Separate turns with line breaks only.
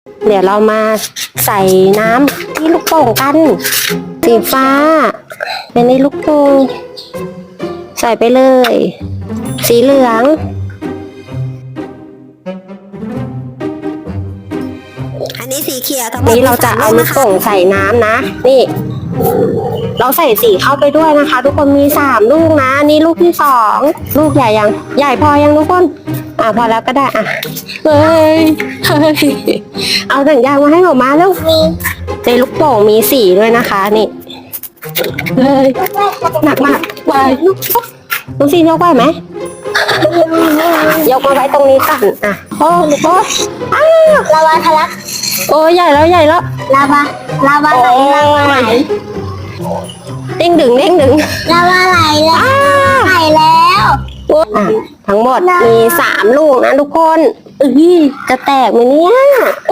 เดี๋ยวเรามาใส่น้ำที่ลูกโป่งกันสีฟ้าเป็นในลูกโป่งใส่ไปเลยสีเหลือง
อันนี้สีเขียวทั้งหมด
นี้เราจะเอาลูกโป่งใส่น้ำนะนี่เราใส่สีเข้าไปด้วยนะคะ ทุกคนมี3 ลูกนะนี่ลูกที่2ลูกใหญ่ยังใหญ่พอยังทุกคนพอแล้วก็ได้เฮ้ยเอาถังยางมาให้ออกมาแล้วในลูกโป่งมีสีด้วยนะคะนี่เฮ้ยหนักมากไปลูกสียกไหวไหมยกมาไว้ตรงนี้ก่อนโอ้
ลาวาทะลัก
โอ้ใหญ่แล้ว
ลาวาไหล
เด้งดึง
ลาวาไหลแล้ว
ทั้งหมดมี3 ลูกนะทุกคนจะแตกไหมเนี่ย